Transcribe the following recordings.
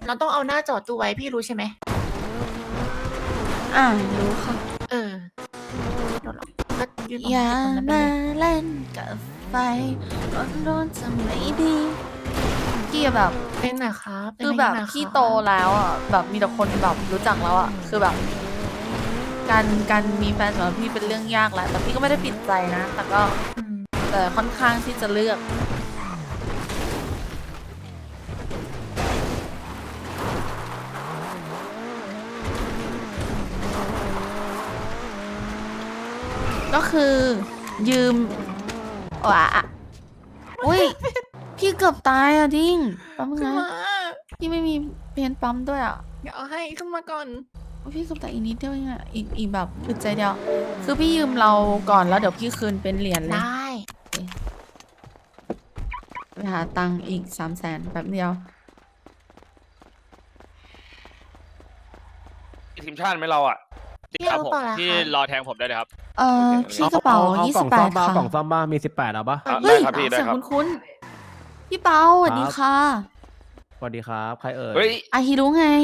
เราต้องเอาหน้าจอตู้ไว้พี่รู้ใช่ไหมรู้ค่ะเออโดนหรอกก็ยืนอย่าตรงนั้นไปมาเลยเล่นกับไฟร้อนๆจะไม่ดีพี่แบบเป็นนะครับคือแบบพี่โตแล้วอ่ะแบบมีแต่คนแบบรู้จักแล้วอ่ะคือแบบการมีแฟนสำหรับพี่เป็นเรื่องยากแหละแต่พี่ก็ไม่ได้ปิดใจนะแต่ก็แต่ค่อนข้างที่จะเลือกก็คือยืมว่ะอุ้ยพี่เกือบตายอ่ะดิ้งปั๊มขึ้นนะมาพี่ไม่มีเพนปั๊มด้วยอ่ะเดี๋ยวเอาให้ขึ้นมาก่อนพี่เกือบตายอีกนิดเดียวเองอ่ะอีกแบบอึดใจเดียวคือพี่ยืมเราก่อนแล้วเดี๋ยวพี่คืนเป็นเหรียญเลยได้ไปหาตังค์อีก300,000แบบเดียวทีมชาติไหมเราอ่ะพี่เอาเปล่าล่ะพี่คะรอแทงผมได้เลยครับพี่กระเป๋ากล่องซ่อม 28 บ้าค่ะกล่องซ่อมบ้ามี18เอาปะเฮ้ยได้ครับพี่ได้เสียงครับคุ้นๆพี่เปาสวัสดีค่ะสวัสดีครับใครเอ่ยเฮ้ยอาฮิรุไง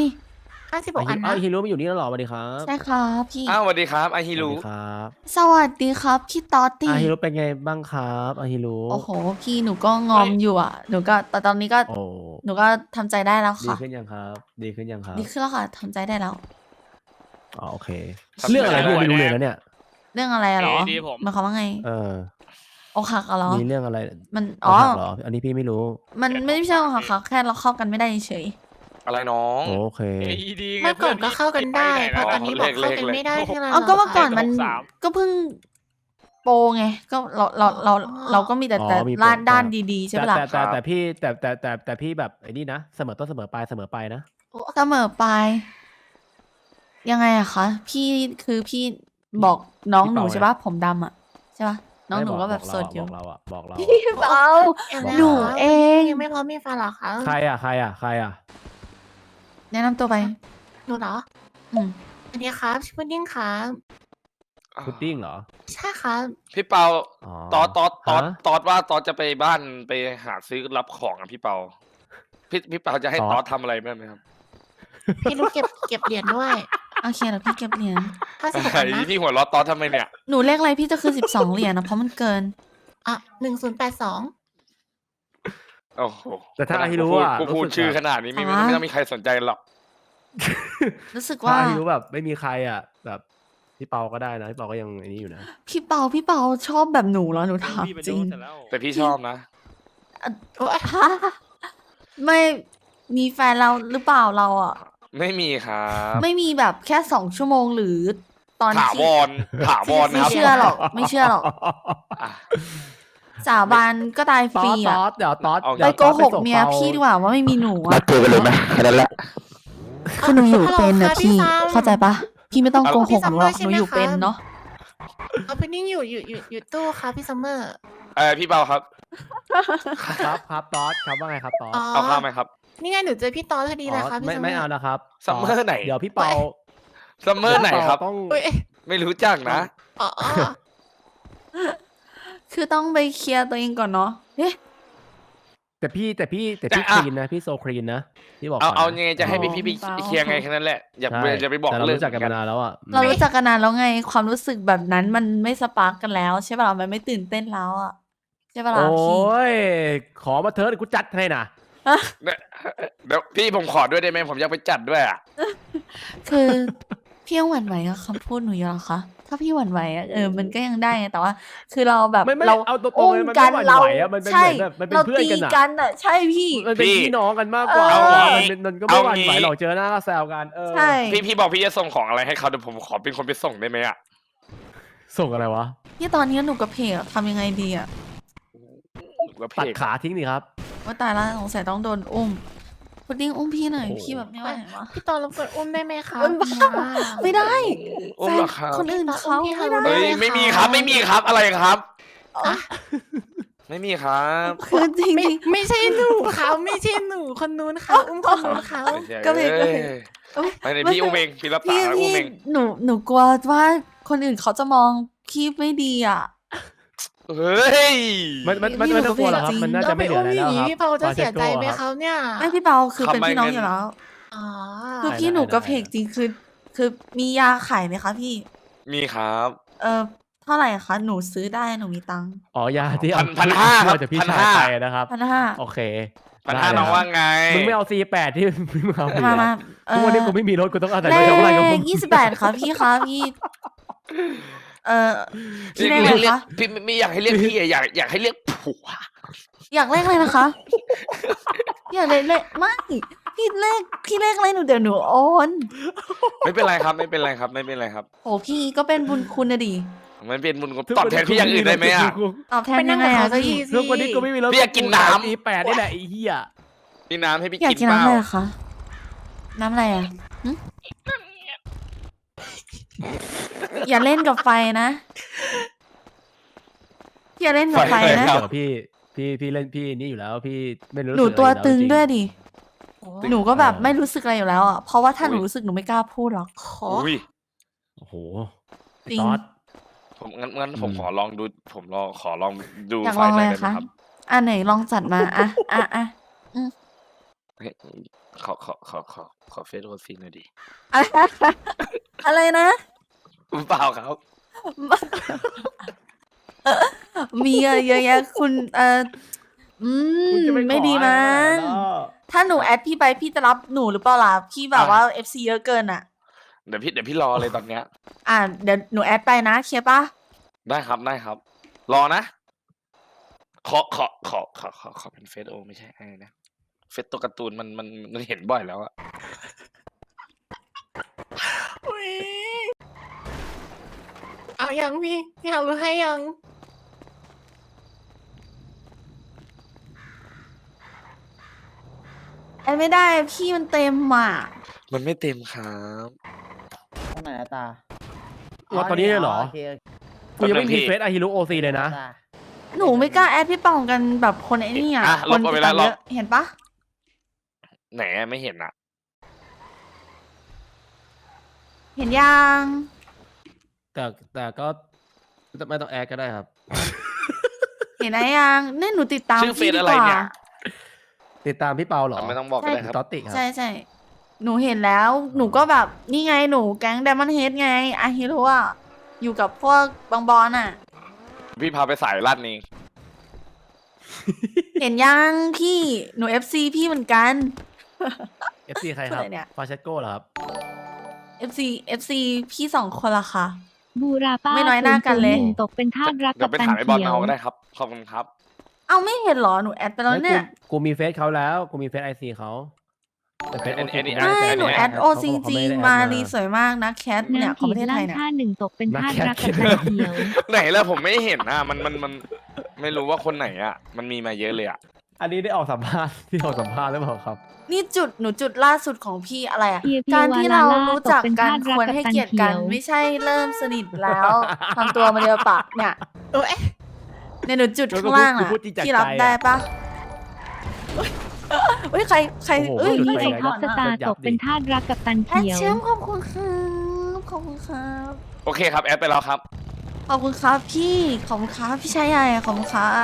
56อันอ้านะวฮิโร่มาอยู่นี่แล้วเหรอสวัสดีครับใช่ครับพี่อ้าวสวัสดีครับไอฮิสวัรุสดีครับสวัสดีครับพี่ตอตตี้อาฮิโร่เป็นไงบ้างครับอาฮิโร่โอ้โหพี่หนูก็งอมอยู่อ่ะหนูก็แต่ตอนนี้ก็โอ้หนูก็ทำใจได้แล้วดีค่ะขึ้นยังครับ ดีขึ้นยังครับดีขึ้นแล้วค่ะทำใจได้แล้วอ๋อโอเค เรื่องอะไรพี่ไม่รู้เลยนะเนี่ยเรื่องอะไรอะเหรอดีผมหมายความว่าไงเอออกหักอะเหรอมีเรื่องอะไรมันอกหักเหรออันนี้พี่ไม่รู้มันไม่ใช่อกหักค่ะแค่เราเข้ากันไม่ได้เฉยอะไรน้องโอเค AED ไงเมื่อก่อนก็เข้ากันได้เพื่พออนตอนนี้บอกเข้ากันไม่ได้ที่เราเอาก็เมื่อก่อนมัน 63 ก็เพิ่งโปรไงก็เราก็มีแต่อ๋อแต่มีโปรด้านดีๆใช่ปะล่ะแต่พี่แต่พี่แบบไอ้นี่นะเสมอต้นเสมอปลายเสมอไปนะเสมอไปยังไงอะคะพี่คือพี่บอกน้องหนูใช่ปะผมดำอะใช่ปะน้องหนูก็แบบสดอยู่บอกเราอะบอกเราพี่เปา หนูเองยังไม่พร้อมมีแฟนเหรอคะใครอ่ะใครอ่ะใครอ่ะแนะนำตัวไปหนูเหรออืมสวัสดีครับชื่อพุดดิ้งครับพุดดิ้งเหรอใช่ครับพี่เปาอ๋อตอดฮะว่าตอดจะไปบ้านไปหาซื้อรับของอ่ะพี่เปาพี่เปาจะให้ตอดทำอะไรบ้างไหมครับพี่รู้เก็บเหรียญด้วยโอเคเดี๋ยวพี่เก็บเหรียญ 56 ไอ้อันนะพี่หัวเร้อตอดทำไมเนี่ยหนูเลขอะไรพี่จะคือ12 เหรียญนะเพราะมันเกินอ่ะ1082 โอ้โหแต่ถ้าอาฮิรุอ่ะกูพูดรู้สึกชื่อแบบขนาดนี้ไม่อ่าไม่ต้องมีใครสนใจหรอกรู้สึกถ้าว่าอาฮิรุแบบไม่มีใครอ่ะ แบบพี่เปาก็ได้นะพี่เปาก็ยังไอ้นี้อยู่นะพี่เปาชอบแบบหนูเหรอหนูถามพี่ไปจริดูงเสร็จแล้วแต่พี่ชอบนะโอ้ยฮะไม่มีแฟนเราหรือเปล่าเราอ่ะไม่มีครับไม่มีแบบแค่2 ชั่วโมงหรือตอนถาที่วรถาวรไม่ครับเชื่อหรอกไม่เชื่อหรอกอ่ะสาบานก็ตายตฟอรีดตอ่ะอดเดี๋ยวตอดเอาไปเดี๋ยวโกตอดหกส่งเมียปาพี่ดีกว่าว่าไม่มีหนูอ่ะเจอกันเลยไหมแค่นั้นแหละคือหนูอยู่เป็นนะฮัลโหลค่ะพี่ซัมเข้าใจปะพี่ไม่ต้องโกหกหนูหรอกพี่ซัมเมอร์หนูอยู่ใช่ไหมคะเป็นเนาะเอาพุดดิ้งอยู่ตู้ครับพี่ซัมเมอร์พี่เปาครับครับตอดครับว่าไงครับตอดอ๋อเอาข้าวไหมครับนี่ไงหนูเจอพี่ตอนพอดีเลยครับพี่ไม่ซัมเมอไม่ร์เอานะครับซัมเมอร์ไหนเดี๋ยวพี่เปาซัมเมอร์ไหนครับต้องเอ้ยไม่รู้จักนะอ๋อคือต้องไปเคลียร์ตัวเองก่อนเนาะเอ๊ะแต่พี่แต่คอ่ะลีนนะพี่โซคลีนนะพี่บอกเอาก่นนะไงจะให้พี่ไปเคลียร์ไงแค่นั้นแหละ อย่าใช่อย่าไปบอกแต่เราเรื่องรู้จักกันมานานแล้วอ่ะเรารู้จักกันนานแล้วไง ความรู้สึกแบบนั้นมันไม่สปาร์กกันแล้วใช่ป่ะมันไม่ตื่นเต้นแล้วอ่ะใช่ป่ะโอล่ะพี่้ยขอมาเถิดกูจัดให้นะเดี๋ยวพี่ผมขอด้วยได้ไหมผมอยากไปจัดด้วยอ่ะคือพี่ยังหวั่นไหวกับคำพูดหนูอยู่เหรอคะถ้าพี่หวั่นไหวอะมันก็ยังได้ไงแต่ว่า คือเราแบบไม่เราเอาตรงๆอุ้เลยมมันกัไม่นหวั่นเราไหวอะมันเป็นใช่เหมือนแบบมันเป็นเราเพื่อนตีกันอะกันอ่ะใช่พี่มันเป็นพี่พี่น้องกันมากกว่าเออมันก็ไม่หวั่นไหวหรอกเจอหน้าก็แซวกันใช่พี่บอกพี่จะส่งของอะไรให้เขาเดี๋ยวผมขอเป็นคนไปส่งได้ไหมอ่ะส่งอะไรวะที่ตอนนี้หนูกับเพจทำยังไงดีอ่ะแล้วเพตัดจขาทิ้งดิครับว่าตายแล้วสงสัยต้องโดนอุ้มพุดดิ้งอุ้มพี่หน่อยโอ้โหพี่แบบไม่ไหววะพี่ตอนรบกวนอุ้มได้ไหมคะอุ้มบ้า ไม่ได้อุ้แฟมนเหรอครับคนอื่นเขาไม่ได้เฮ้ยไม่มีครับไม่มีครับอะไรครับ ไม่มีครับคือจริงไม่ใช่หนูเขาไม่ใช่หนูคนนู้นเขาอุ้มคนนู้นเขาก็เลยเอ้ยไม่ได้พี่อุ้มเองพี่รับปากพี่แล้วอุ้พี่มเองหนูกลัวว่าคนอื่นเขาจะมองพี่ไม่ดีอ่ะเฮ้ยมันไม่ต้องกลัวหรอกครับ มันน่าจะไม่เหลืออะไรแล้วครับพี่เปาจะเสียใจไหมเขาเนี่ยไม่พี่เปาคือเป็นพี่น้องอยู่แล้วอ๋อคือพี่หนูกระเพกจริงคือมียาขายไหมคะพี่มีครับเท่าไหร่คะหนูซื้อได้หนูมีตังค์อ๋อยาที่เอาพันห้าครับจากพี่ชาย 1,500 ไปนะครับ 1,500 โอเค 1,500 ได้น้องเลยว่าไงมึงไม่เอา C8 ที่มึงเอาไปมาทุกวันนี้กูไม่มีรถกูต้องอาศัยเลรถชาวบ้านกับผขม 28ค่ะพี่คะพี่พี่เลขเรีอะไรยกคะพี่ไม่อยากให้เรียกพี่อะอยากให้เรียกผัวอยากเลขอะไรนะคะ อยากเลขไม่พี่เลขอะไรหนูเดี๋ยวหนูโอนไม่เป็นไรครับไม่เป็นไรครับไม่เป็นไรครับโหพี่ก็เป็นบุญคุณนะดิมันเป็นบุญคุณตอบแทนพี่อย่างอื่นได้ไหมอะตอบแทนยังไงอะก็อีทุกวันนี้กูไม่มีรถพี่อยากกินน้ำ E8 นี่แหละไอ้เหี้ยมีน้ำให้พี่อยากกินกินเปน้ำล่าอะไรอะคะน้ำอะไรอะหึอย่าเล่นกับไฟนะอย่าเล่นกับไฟนะเดี๋ยวพี่เล่นพี่นี่อยู่แล้วพี่ไม่รู้หนูสึกอะไรตัวอยู่แล้ตึงจริด้วยดิ หนูก็แบบเออไม่รู้สึกอะไรอยู่แล้วอ่ะ เพราะว่าถ้าหนูรู้สึกหนูไม่กล้าพูดหรอกอุ้ยโอ้โหจริงตอสผมงั้นผมอืมขอลองดูผมขอลองดูอยากไฟลองหเลน่อยยได้ไหมคะครับอ่ะไหนลองจัดมาอ่ะเฮ้ยขอเฟซโอซีหน่อยดิอะไรนะเปล่าครับมีอะเยอะแยะคุณคุณจะไม่ดีขอมั้งอะไรล่ะถ้าหนูแอดพี่ไปพี่จะรับหนูหรือเปล่าล่ะพี่แบบว่า FC เยอะเกินอ่ะเดี๋ยวพี่รอเลยตอนเนี้ยอ่ะเดี๋ยวหนูแอดไปนะเคลียร์ปะได้ครับ รอนะ ขอเป็นเฟซโอไม่ใช่ไอ้นะเฟซตัวการ์ตูนมันเห็นบ่อยแล้วอะอุ๊ยเอายังพี่อยากรู้ให้ยังแอดไม่ได้พี่มันเต็มอ่ะมันไม่เต็มครับตรงไหนอะตาว่าตอนนี้เลยเหรอโคกูยังไม่มีพี่เฟซอาฮิรุโอซีเลยนะตาหนูไม่กล้าแอดพี่ปองกันแบบคนไอ้นี่อ่ะอ่ะคนลบเอาติไปดแล้ตาว มลบเยอะเห็นปะไหนไม่เห็นอะเห็นยังแต่ก็ไม่ต้องแอดก็ได้ครับเห็นไหมยังนี่หนูติดตามชื่อเฟพี่ซดีอะไรกว่าเนี่ยติดตามพี่เปาเหรอไม่ต้องบอกก็ได้ครับตอตติครับใช่ใช่หนูเห็นแล้ว หนูก็แบบนี่ไงหนูแก๊ง Diamond Head ไงอาฮิโร่อะอยู่กับพวกบางบอลอ่ะพี่พาไปสายลั่นเองเห็นยังพี่หนู FC พี่เหมือนกัน FC ใครครับอะไรเนี่ยฟาเชโก้เหรอครับ FC พี่สองคนละค่ะบูราป้าไม่น้อยหน้ากันเลย 001ตกเป็นทาสรักเดี๋กัยวบไปตันถามไอ้บอลเขียมาว ก็ได้ครับ ขอบคุณครับเอาไม่เห็นเหรอหนูแอดไปแล้วเนี่ยกูมีเฟซเขาแล้ว กูมีเฟซไอซีเขาแต่เฟซอันนี้ OC อันนี้กูใช่ไม่หนูได้แอดเขาโอบอกจริงเขาจริไม่งได้แอดมาลีสวยมากนะแคทเนี่ยของประเทศไทยเนี่ย 1ตกเป็นทาสรักกับนัตักนแคทเขียวไหนแล้วผมไม่เห็นอ่ะมันไม่รู้ว่าคนไหนอ่ะ มันมีมาเยอะเลยอ่ะอันนี้ได้ออกสัมภาษณ์ที่ออกสัมภาษณ์หรือเปล่าครับนี่หนูจุดล่าสุดของพี่อะไรอะเฮียพี่การที่เราวาลาล่ารู้จักกันตกเป็นทาสรักควรให้เกียรติกันกับตันเขียวไม่ใช่เริ่มสนิทแล้วทำตัวมาเดียวปะเนี่ยโอ้ยเนี่ยหนูจุดข้างล่างกูอะพูดจริงจากพี่รับใจอะได้ปะเฮ้ยใครโอ้โหเอ้ยจุดพี่ไฟไอไงท็อปสตาร์ตกเป็นทาสรักกับตันแอดเขียวแชมป์ขอบคุณครับขอบคุณครับโอเคครับแอดไปแล้วครับขอบคุณครับพี่ขอบคุณครับพี่ชายใหญ่ขอบคุณครับ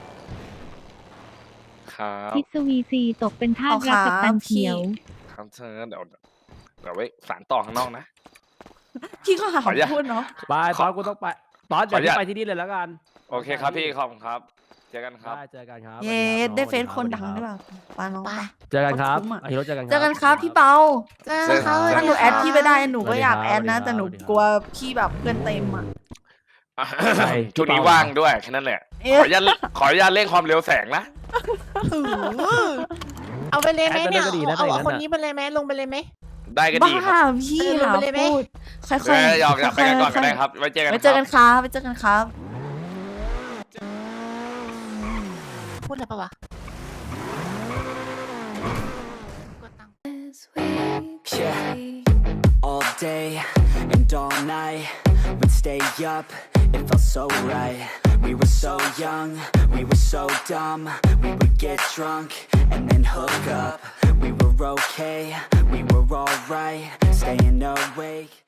ครับพิศวีซีตกเป็นทาสรักกับตันเขียวครับเชิญเดี๋ยวไว้สารต่อข้างนอกนะพี่ก็หาขออนุญาตพูดเนาะไปตอนกูต้องไปตอนขออนุเดี๋ยวญาตไปที่นี่เลยแล้วกันโอเคครับพี่ขอบคุณครับ เจอกันครับได้เจอกันครับเย้ได้เฟซคนดังสวัสด้ดีวยรับป่ะปาน้องปะเจอกันครับคุ้มอะอาฮิโร่เจอกันเจอกันครับพี่เปาเจอกันครับถ้าหนูแอดพี่ไปได้หนูก็อยากสวัสดีแอครับดนะ แต่หนูสวัสดีครับกลัวพี่แบบเพื่อนเต็มอ่ะใช่ช่วงนี้พี่เปาว่างด้วยแค่นั้นแหละเอ๊ะขออนุญาตเร่งความเร็วแสงนะเอาไปเลยไหมเนี่ยแอดก็ดีนะเอาถ้าอย่างนั้นคนน่ะนี้ไปเลยไหมลงไปเลยไหมได้ก็บ้าดีครับพี่ลงหาไปเลยไหมพูดค่อยเอออยากไปกันก่อนก็ได้ครับ ไว้เจอกันไว้คเจอรักับ นครับไว้เจอกันครับพูดอะไรปะวะกดตังค์ Yeah, all day and all night, we'd stay up, it felt so right. We were so young, we were so dumb, we would get drunk and then hook up. We were okay, we were alright, staying awake.